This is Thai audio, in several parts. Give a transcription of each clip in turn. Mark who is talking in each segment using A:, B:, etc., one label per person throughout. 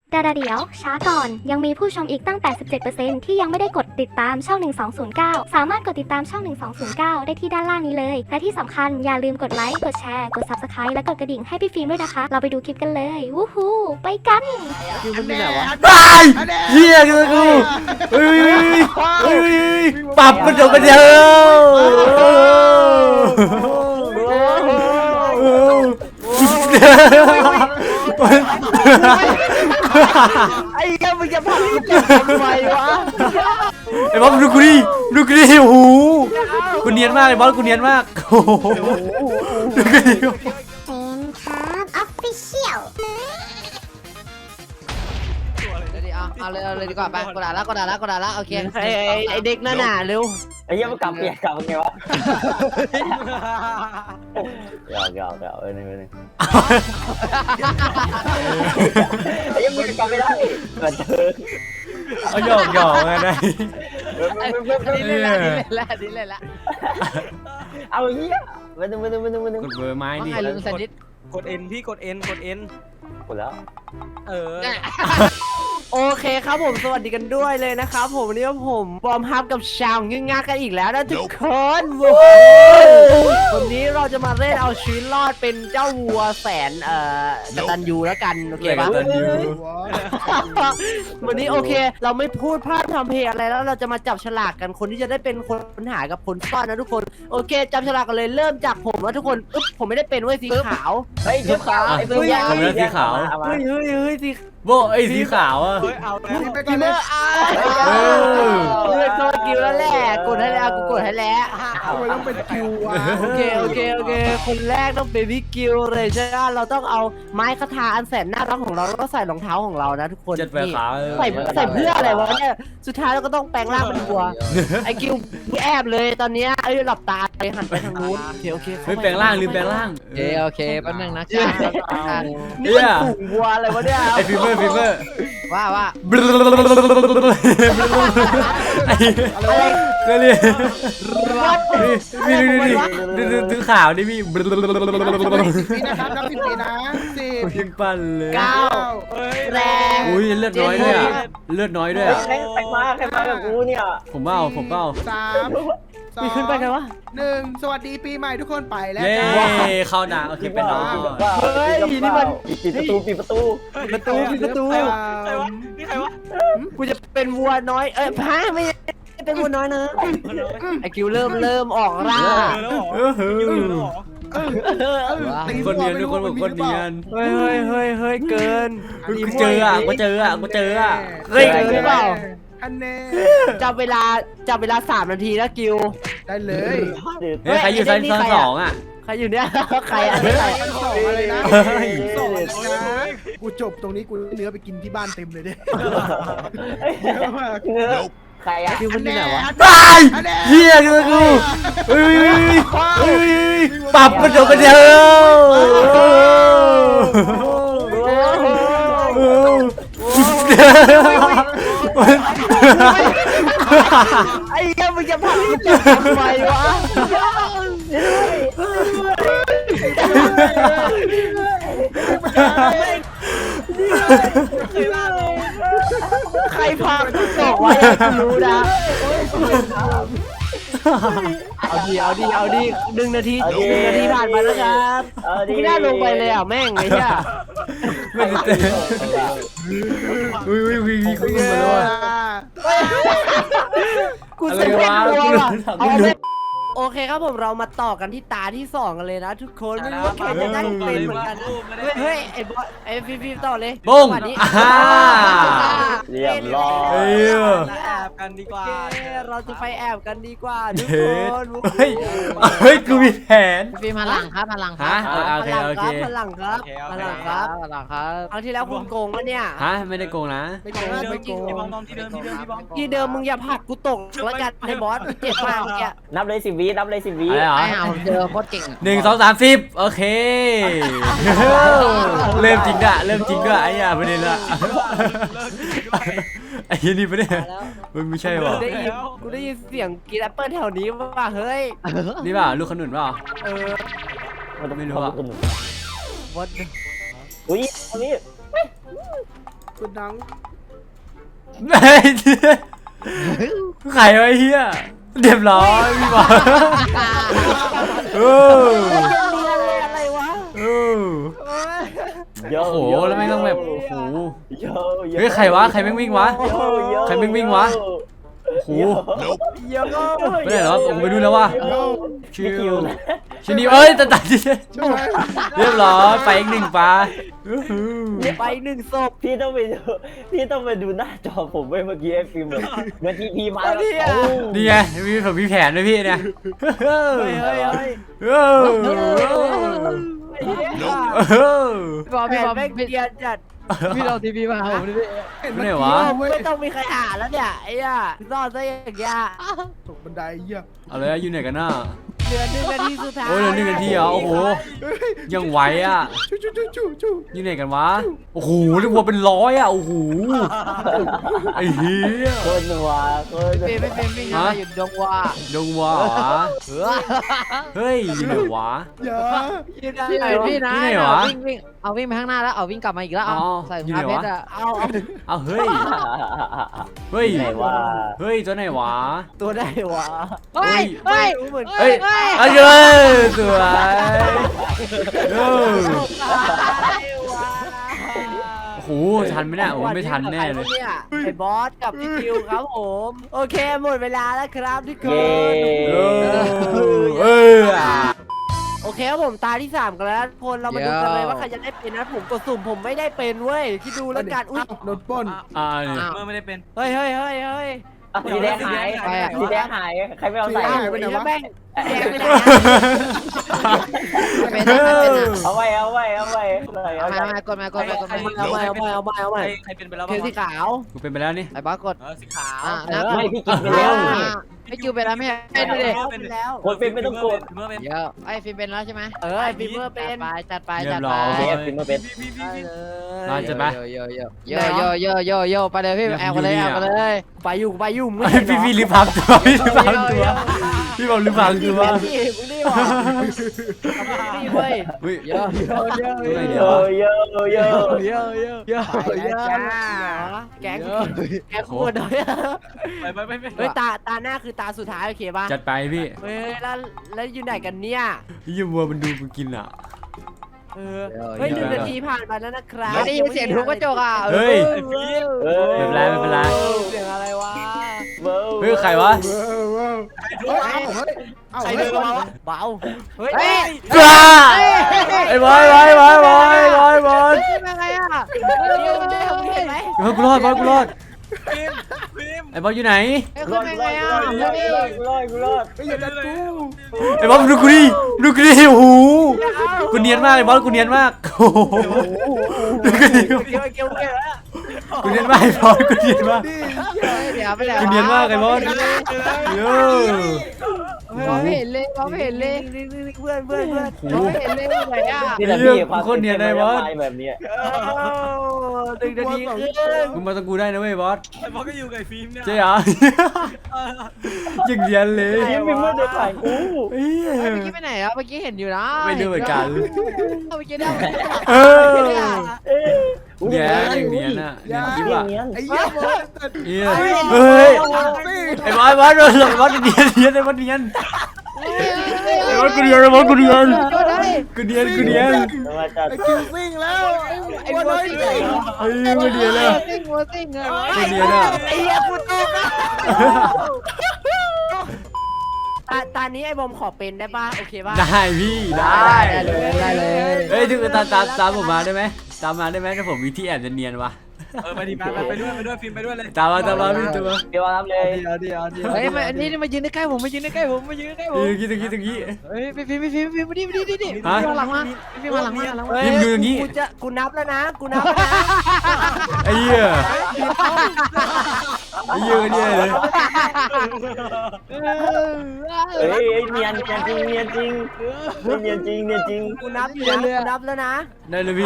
A: แต่เดี๋ยวช้าก่อนยังมีผู้ชมอีกตั้ง 87% ที่ยังไม่ได้กดติดตามช่อง 1209 สามารถกดติดตามช่อง 1209 ได้ที่ด้านล่างนี้เลย และที่สำคัญอย่าลืมกดไลค์ กดแชร์ กด Subscribe และกดกระดิ่งให้พี่ฟิล์มด้วยนะคะ เราไปดูคลิปกันเลย วู้ฮู้ไปกัน
B: คือมันมีไหนวะ
C: ตายเฮียกูเฮ้ยปรับมันเดี๋ยวกันเดียว
B: ไอ้เหี้ยมึงจะพาพี่เจ็บทำไมวะ
C: ไอ้บอสดูกูดิโอ้โหกูเนียนมากไอ้บอสกูเนียนมากโอ้โหดูกูดิ
A: เป็นครับออฟฟิเชียล
D: เอาเลยดีกว่าไปกดด่าละโอเค
B: ไอ้เด็กนั่นน่ะเร็ว
E: ไอ้เหี้ยมันกลับเปลี่ยนกลับไงวะหยอกนึงไอ้เหี้ยมึงกลับไม่ได้มาเจอ
C: เอาหยอกไงได้
D: นี่เล่นละ
E: เอาเหี้ยมาดึง
C: กดเบอร์ไม้ดิ
D: ไงลุงสันนิษ
B: กดเอ็นพี่กดเอ็น
E: หมดแล้ว
B: โอเคครับผมสวัสดีกันด้วยเลยนะครับผมวันนี้ผมบอมฮับกับชาวงึ่งงักกันอีกแล้วนะทุกคนวันนี้เราจะมาเล่นเอาชีวิตรอดเป็นเจ้าวัวแสนกตัญญูแล้วกันโอเคปะ วันนี้โอเค เราไม่พูดพลาดทำเพลงอะไรแล้วเราจะมาจับฉลากกันคนที่จะได้เป็นคนหากับคนซ่อนนะทุกคนโอเคจับฉลากกันเลยเริ่มจากผมนะทุกคนผมไม่ได้เป็นเว้ยสีขาว
E: เฮ้ยชุดขาวไอ้เพื่อน
B: เฮ้ยสี
C: โบไอ้สีขาวอ่ะ
B: กินเมอร์ตัวกิวแล้วแหละกดให้แล้วกูกดให้แล้ว
F: ทำไมต้องเป็นคิววะ
B: โอเคคนแรกต้องเป็นพี่กิวเลยใช่ไหมเราต้องเอาไม้คาถาอันแสนน่ารักของเราแล้วก็ใส่รองเท้าของเรานะทุกคน
C: เจ็ดแปดขาว
B: ใส่เพื่ออะไรวะเนี่ยสุดท้ายเราก็ต้องแปลงร่างเป็นวัวไอ้กิวแอบเลยตอนนี้หลับตาเลยหันไปทางนู้นโอเค
C: เฮ้ยแปลงร่างลืมแปลงร่าง
D: โอเคแป๊บนึงนะจ้า
B: นี่มันฝูงวัวอะไรวะเนี่ย
C: ไอ้ฟิเวอร์
D: ว่า
C: ไอ้ก็เลยดูข่าวดิพี่
F: ปีนะครับนับ10 ปีนะ10
C: พิมปั้นเลย
B: 9แรง
C: อุ้ยเลือดน้อยด้วยอ่ะเลือดน้อยด้วยอ่ะ
E: ใครมากับกูเนี่ย
C: ผมเบ้า
F: 3
B: นี่ขึ้นไปกันวะ
F: 1สวัสดีปีใหม่ทุกคนไปแล้ว
C: เย้
F: จ้า
C: เข้าหนังโอเคเป็นน้อง
E: ปิดประตู
B: ประตูกูจะเป็นวัวน้อยพาไม่เป็นวัวน้อยนะไอคิวเริ่มออกร่า
C: คนเนียนทุกคนบอกคนเนียน
B: เฮ้ยเกิน
C: กูเจออ่ะเฮ้ย
B: หรือเปล่า
F: อันแน่
B: จับเวลา3 นาทีนะกิว
F: ได้เลย
C: เฮ้ยใครอยู่ชั้นสองอ่ะ
B: ใครอยู่เนี่ยใครอะไร
F: สองอะไรนะ
C: เฮ้ย
F: สองนะกูจบตรงนี้กูเนื้อไปกินที่บ้านเต็มเลยเนี่ยเยอะมาก
E: ใครอะ
B: คิวมันอยู่ไหนวะ
C: ตายเฮียกูเฮ้ยปรับมันเดี๋ยวกันเดียว
B: ไอ้เหี้ยมึงจะพาพี่เจ็บทำไมวะใครพากูตกไว้กูรู้นะเอาดี1 นาทีผ่านมาแล้วครับไม่น่าลงไปเลยอ่ะแม่งไอ้เหี้ย
C: ไม่ได้เตะวิ่งขึ้นมาแล้ว
B: กูเซ็งเป็นตัวว่ะโอเคครับผมเรามาต่อกันที่ตาที่2กันเลยนะทุกคนไม่รู้ว่าใครจะได้เป็นเหมือนกันเฮ้ยไอ้บอสไอ้ฟิล์มต่อเลย
C: บุ้ง
E: เรียบร้อย
B: แอบกันดีกว่าเราจะไปแอบกันดีกว่าทุกคน
C: เฮ้ยกูมีแผน
D: ฟิล์มพลังครับ
C: ฮะโอเค
B: พลังครับครั้งที่แล้วคุณโกงปะเนี่ย
C: ฮะไม่ได้โกงนะ
F: ไม่โกงไม่โกง
B: ที่เดิมมึงอย่าผลักกูตกแล้วกันไอ้บอสเจ็บมากเนี่ย
E: นับเลย10 วินับเลย10 วิ
C: อะไรเหรอ
D: ไอ้ห่าผมเจอโคตรเก่ง
C: 1 2 3 10โอเคเริ่มจริงด้วยไอ้ยาประเด็นละไอ้ยี่นี่ประเด็นมันไม่ใช่หรอ
B: กูได้ยินเสียงกินแอปเปิ้ลแถวนี้ว่ะเฮ้ย
C: นี่ป่ะลูกขนุนป่ะ
E: ไม่รู้อะ
B: วัด
E: อุ้ยอันนี้
F: กดดัง
C: ไอ้ไข่ไอ้เหี้ยเรียบร้อยพี่บอลเออ
B: อะไรวะ
C: เออ
E: โย
C: โอ้โหแล้วไม่ต้องแบบโอ้โห
E: โย
C: เฮ้ยใครวะใครแม่งวิ่งวะ ใครวิ่งวะ โอ้โห
B: เยอะ
C: ไม่ได้เหรอผมไปดูแล้วว่า
E: ชิวนะ
C: ชินี่เอ้ยตัดที่
F: ใช่ไหม
C: เรียบร้อยไปอีกหนึ่งปลา
B: ไปหนึ่งศพ
E: พี่ต้องไปดูหน้าจอผมเมื่อกี้ไอ้ฟิล์มเมื่อกี้พี่มาแล้ว
C: นี่ไงมีแผนด้วยพี่เนี่ย
B: เฮ้ยเฮ้ยเฮ้ย
C: เออ
D: พี่บอลพี่บอล
B: แม่ง
D: พี่
B: เกียนจัด
D: พี่เราทีวีมาหาผมดิพี่
F: เห็น
C: ไม่ไหนวะ
B: ไม่ต้องมีใครหาแล้วเนี่ยไอ้ย่าซ่อนซะอย่างเงี้ย
F: ตกบันไดเหี้ย
C: เอาเลยอยู่ไหนกันน่ะ
B: เหลือ1 นาทีสุดท้าย
C: โอ้ยเหลือ1 นาทีเหรอโอ้โหยังไหวอ่ะ
F: ชู
C: อยู่ไหนกันวะโอ้โหเรียกว่าเป็น100อ่ะโอ้โหไอ้เหี้ย
E: คนวะคน
D: พี่ไม่เป็นวิ่งอะไรอยู่ดงว่า
C: ดงวะเฮ้ยอยู่ไหนวะ
F: อย่า
D: พี่ไหนพี่นะ
C: ที่ไหนวะ
D: วิ่งเอาวิ่งไปข้างหน้าแล้วเอาวิ่งกลับมาอีกแล้วเอา
C: อ๋อ
D: ใส่ถุ
C: อยู่
D: ง
C: ไหน
D: เท้าว
C: ะ
D: เพชรอะ
C: เอาเฮ้ยเฮ้ย
E: ไหนวะ
C: เฮ้ยตัวไหนวะ
B: ตัวได้วะ
D: เฮ้ยเฮ้ย
B: รู้เหมือน
C: เฮ้ย
D: เฮ้ย
C: เอาเลยสวยเออโอ้โหทันไหมเนี่ยโอ้โหไม่ทันแน่เลย
B: ไอ้บอสกับพี่คิวครับผมโอเคหมดเวลาแล้วครับทุกค
E: เย้
B: น
C: เออเออ
B: โอเคครับผมตาที่3กันแล้วทุกคนเรามาดูกันเลยว่าใครจะได้เป็นนะผมกดสุ่มผมไม่ได้เป็นเว้ยคิดดูแล้วกันอุ้ย
F: โดนปล้น
C: เนี่ย
G: เมื่อไม่ได้เป็น
B: เฮ้ยเฮ้ยเฮ้ยเฮ้ย
E: สีแดงหายสีแดงหายใครไม่เอาใส่
B: อ้าวไปแล้วแม่งแดงไปไหน
D: เป็นนะเป็นนะ
E: เอาไว้เอาไว้เอาไว้
D: เอามากดมากดมากดมา
B: เอาใหม่
G: ใครเป็นไปแล้ว
B: เท
G: บ้าง
B: สีขาว
C: กูเป็นไปแล้วนี่
D: ไอ้บอสกด
G: สีขาว
D: นะ
E: ไม่พี่กินไปแล้ว
D: ไม่คิวเป็นแล้วไม่เป็นเลย
B: เป็นแล้ว
E: คนเป็นไม่ต้องกด
G: เมื่อเป็น
D: เยอะไอ้ฟิล์มเป็นแล้วใช่ไหม
B: ไอ้ฟิล์มเมอร์เป็น
D: จัดไป
C: เรี
D: จั
C: ย
D: ด
C: บ
D: ไป
C: ร้อย
E: เอฟฟิล์มเป็น
C: มาจัดไป
D: โยไปเลยพี่แอบไปเลยแอบไปเลย
B: ไปอยู่มึง
C: ไอ้พี่ลืมพังตัวพี่ลืมพังตัวพี่บอกลืมพังตัว
B: มึงนี่หว่านี่เว้ย
C: เฮ้ย
D: เยอะ
C: ตัวไหน
E: เย
C: เดี๋ยว
E: อะเยอะเยอะ
D: เยอะเยอะ
B: ไปแล้วจ้าแกขวดเลย
G: ไป
B: เฮ้ยตาหน้าคือตาสุดท้ายโอเคป่ะ
C: จัดไปพี่
B: เฮ้ยแล้วอยู่ไหนกันเนี่ย
C: พี่ยูวัวมันดูมันกินอ่ะ
B: เฮ้ย1 นาทีผ่านไปแล้วนะครับ
D: ได้ยินเสียงทุบกระจกอ่ะ
C: เฮ้ย
E: ไม่
C: ไม่เป็นไร
B: เสียงอะไรวะ
C: เฮ้ยใครวะ
F: เอา
B: ใคร
F: เฮ้
B: เดิ
F: ย
B: นมาวะเบาเฮ้ย
C: จ้าไอ้บอยบอย
D: เป็นไงอ่ะ
B: เห็นไหม
C: กูรอดบอยกูรอด
G: ฟิล์ม
C: ไอ้บอยอยู่ไหน
E: รอดรอดรอดรอดรอด
F: ไม่อย่าดันกู
C: ไอ้บอสดูกูดิโอ้โหกูเนียนมากไอ้บอสกูเนียนมากโอ้โหดูกูดิ
B: เกี่ยวแล้ว
C: กูเนียนมากไอ้บอสกูเนียนมาก
D: เดี๋ยวไปแล้ว
C: กูเนียนมากไอ้บอสเยอะ
D: มองไม่เห็นเลยมองไม่เห็นเลย
B: เพื่อน
C: โอ้โห
D: มองไม่เห็นเลยไหนอ่ะ
E: นี่แหละพี่แบบนี้
B: 1 นาทีครึ่ง
C: มึงมาตะกูได้นะเว้ยบอส
G: ไอ้บอสก็อยู่กับฟิล์มเนี่ย
C: เจ๊เหรอยังเรียนเลย
E: ยังมีมือเดือดผ่านกู
C: เฮ้ย
D: เมื่อกี้ไปไหนอ่ะเมื่อกี้เห็นอยู่นะ
C: ไม่รู้เหมือนกัน
D: เมื่อกี้ได้
C: เออ
E: เนียน
C: อย่างเนียนอ่ะเนียนกิ๊บอ่ะ
F: ไอ้เหี้ยบอส
C: เฮ้ยไอ้บอสโดนหลอกบอสเนียนไอ้บอสเนียนไอ้บอสกูเนียนกูเนียน
E: มาจัด
F: ไอ้คิวซิ่งแล้วไอ้บอสซิ่ง
C: เฮ้ยกูเนียนอ่ะ
D: ซิ่งหัวซิ่งเลย
C: กูเนียนอ่ะ
B: ไอ้เหี้ยกูตกตานี้ไอ้บอมขอเป็นได้ป่ะโอเคป่ะ
C: ได้พี่ได้
D: ได้เลย
C: เฮ้ยถึงตามผมมาได้ไหมตามมาได้ไหมถ้าผมมีที่แอบจะเนียนวะ
G: ไปดิไปด้วยฟิล์มไปด้วยเลย
C: ตามมาพี่ตามมา
E: เดี๋ยวรับเลย
D: เฮ้ยอันนี้มายืนใกล้ผมมายืนใกล้ผม
C: ตรงนี้
D: เฮ้ยพี่มาหลังมาพี่มาหลังมา
C: พิมพ์ดูอย่างนี้
B: กูนับแล้วนะ
C: ไอ้เหี้ยเนี่ยเลย
E: เฮ้ยเนียนจริงเนียนจริงเนียนจริงเนียนจริง
B: กูนับแล้วนะ
C: ได้เลยพี่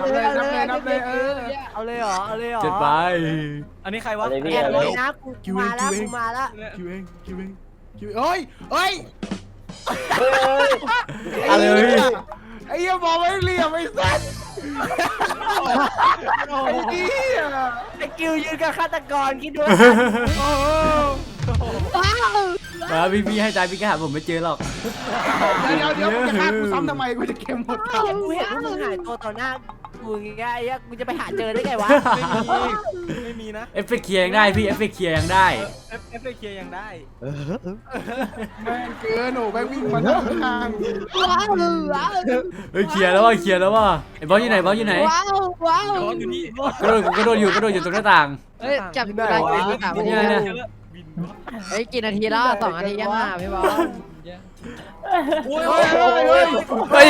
B: เอาเลยเหรอ
C: จัดไป
G: อันนี้ใครวะ
B: แอบเลยนะกูมาแล้ว
F: คิวเองเฮ้ย
C: อะไรพี่
F: ไอ้เหี้ยบอกไม่เหลี่ยมไอ้สัสไอ้เหี้ย
B: ไอ้กิวยืนกับฆาตกรคิดดู
C: มาพี่ให้ใจพี่ก็หาผมไม่เจอหรอก
F: เดี๋ยวมึงจะฆ่ากูซ้ำทำไมกูจะเกมหมดทาง
B: กูเห็นมึงหายตัวต่อหน้ากูอย่างเงี้ยไอ้เหี้ยกูจะไปหาเจอได้ไงวะ
G: ไม่มีนะ
C: เอฟเฟกต์เคลียร์ยังได้พี่เอฟเฟกต์เคลียร์ยังได้
G: เอฟเคยังได้
F: แม่งเกินโอ้แม่งวิ่งมาทางข้าง
C: เฮ้ยเคลียร์แล้วว่ะเคลียร์แล้วว่ะไอ้บอสอยู่ไหนบอสอยู่ไหน
D: ว้าวว้าว
G: ย้อนอยู่นี่
C: กระโดดอยู่ตรงหน้าต่าง
D: เฮ้ยจับเวลากี่นาที
C: เนี่ย
D: เฮ้ยกี่นาทีแล้ว2 นาทียังพี่บอล
G: โอ้ย
C: เฮ้ย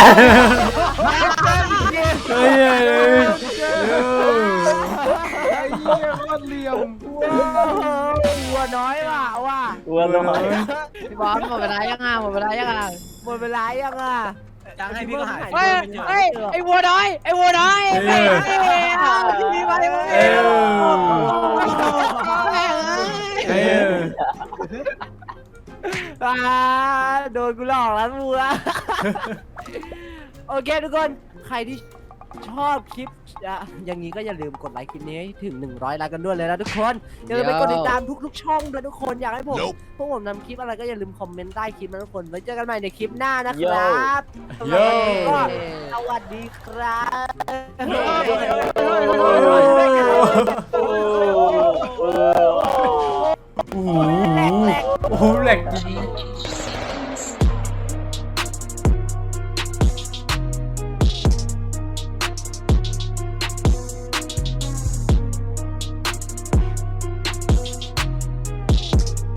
C: เฮ้ย
F: ไอ้เหี้ยโคตรเหลี่ยม
B: วัวน้อยว่ะ
E: วัวน้อย
D: พี่บอลหมดเวลายังหมดเวลายัง
B: หมดเวลายังอ่ะ
G: ยังให้พี่ก็หาย
D: เฮ้ยเฮ้ยไอ้วัวน้อยไอ้วัวน้อยพี่มาดิมึง
C: เอ้ย
B: โดนกูหลอกแล้ววัวโอเคทุกคนใครที่ชอบคลิปอย่างนี้ก็อย่าลืมกดไลค์คลิปนี้ให้ถึง100 ไลค์กันด้วยเลยนะทุกคนอย่าลืมไปกดติดตามทุกๆช่องด้วยทุกคนอยากให้ผมพวกผมนำคลิปอะไรก็อย่าลืมคอมเมนต์ใต้คลิปนะทุกคนไว้เจอกันใหม่ในคลิปหน้านะครับ
C: โย่
B: สวัสดีครับ
C: โอ้โหแหลกจริง